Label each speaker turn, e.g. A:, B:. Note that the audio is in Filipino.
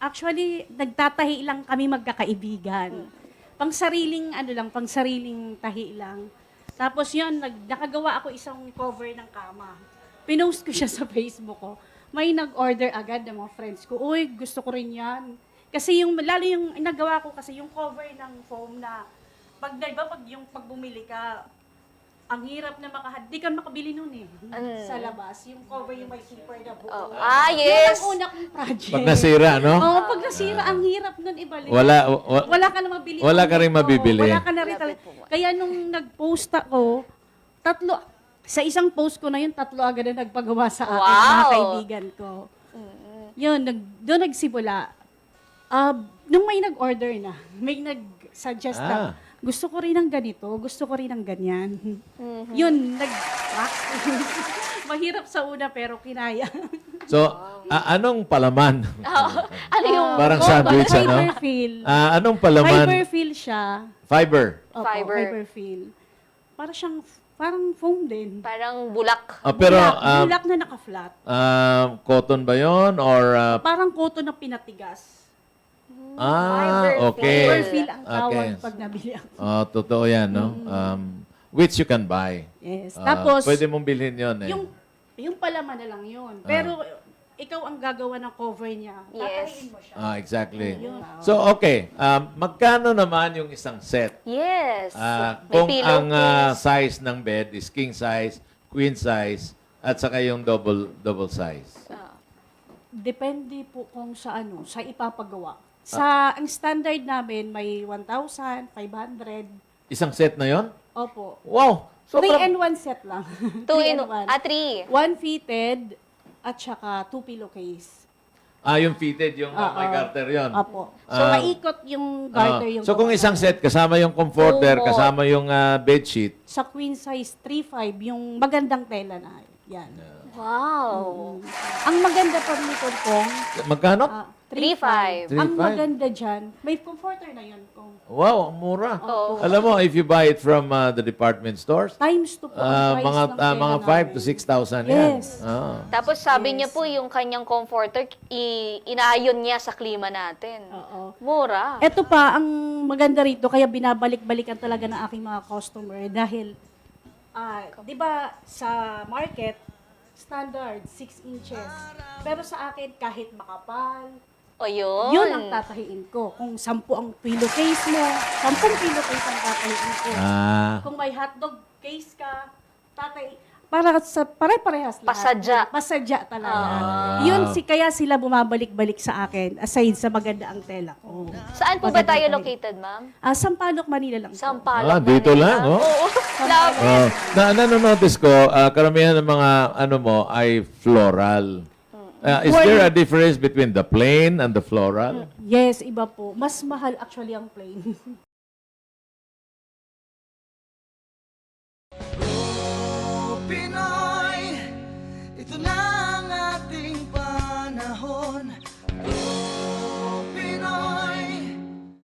A: Actually, nagtatahi lang kami magkakaibigan. Pangsariling, pangsariling tahi lang. Tapos yun, nakagawa ako isang cover ng kama. Pinost ko siya sa Facebook ko. May nag-order agad ng mga friends ko. Uy, gusto ko rin yan. Kasi lalo yung nagawa ko kasi yung cover ng foam na, pag bumili ka, ang hirap na di ka makabili nun eh. Sa labas. Yung cover yung may zipper na buo.
B: Oh.
A: Yun
B: Yes!
A: ang una kong project.
C: Pag nasira, no?
A: Oo, pag nasira, ang hirap nun ibalik.
C: Wala
A: ka na mabili.
C: wala ka rin mabibili.
A: Wala ka na rin. Kaya nung nag-post ako, sa isang post ko na yun, 3 agad na nagpagawa sa akin, mga kaibigan ko. Yun, doon nagsimula. Nung may nag-order na, may nag-suggest na, gusto ko rin ng ganito, gusto ko rin ng ganyan. Yun, mahirap sa una pero kinaya.
C: So, anong palaman?
B: Ano yung...
C: Parang sandwich, ano?
A: Fiberfill.
C: Anong palaman?
A: Fiberfill siya.
C: Fiber.
A: Opo,
B: Fiber.
A: Fiberfill. Parang foam din.
B: Parang bulak.
C: Pero,
A: bulak na naka-flat.
C: cotton ba yon or...
A: Parang cotton na pinatigas.
C: okay.
A: Fiberfill ang tawag
C: Okay.
A: pag nabili ako.
C: Totoo yan, no? Which you can buy.
A: Yes. Tapos,
C: Pwede mong bilhin yon eh.
A: yung palaman na lang yun. Pero, ikaw ang gagawa ng cover niya.
B: Yes.
A: Tatahiin mo siya.
C: Exactly.
A: Yun.
C: So, okay. Magkano naman yung isang set?
B: Yes. May
C: Kung ang
B: pillowcase.
C: size ng bed is king size, queen size, at saka yung double size.
A: Depende po kung sa ipapagawa. Ang standard namin may 1,500.
C: Isang set na yon?
A: Opo.
C: Wow!
A: 3 and 1 set lang.
B: 2 in... 3.
A: 1 fitted at saka 2 pillowcase.
C: Yung fitted, yung may garter yon.
A: Opo. So, maikot yung garter yung...
C: So, kung isang set, kasama yung comforter,
B: Opo.
C: kasama yung bedsheet,
A: Sa queen size 3.5, yung magandang tela na. Yan.
B: Wow.
A: Ang maganda pa nito kung...
C: magkano?
B: 3.5.
A: Ang
C: 3.5.
A: maganda dyan, may comforter na yun kung...
C: Wow, ang mura.
B: Oo.
C: Alam mo, if you buy it from the department stores,
A: Times 2 po ang price ng tela
C: mga 5 to
A: namin.
C: 6,000 yan.
A: Yes.
B: Tapos sabi niya po, yung kanyang comforter, inaayon niya sa klima natin.
A: Oo.
B: Mura.
A: Ito pa, ang maganda rito, kaya binabalik-balikan talaga ng aking mga customer dahil, di ba, sa market, standard, 6 inches. Pero sa akin, kahit makapal,
B: O yun.
A: yun ang tatahiin ko. Kung 10 ang pillowcase mo, 10 pillowcase ang tatahiin ko. Kung may hotdog case ka, para sa pare-parehas lahat.
B: Pasadya.
A: Pasadya talaga.
C: wow.
A: Yun kaya sila bumabalik-balik sa akin aside sa maganda ang tela ko.
B: Saan po ba tayo located, ma'am?
A: Sampaloc, Manila lang po.
B: Sampaloc,
C: dito
B: Manila.
C: lang, oh.
B: Oo. Love.
C: Nanonotice ko, karamihan ng mga mo ay floral. Is there a difference between the plain and the floral?
A: Yes, iba po. Mas mahal actually ang plain.
D: Pinoy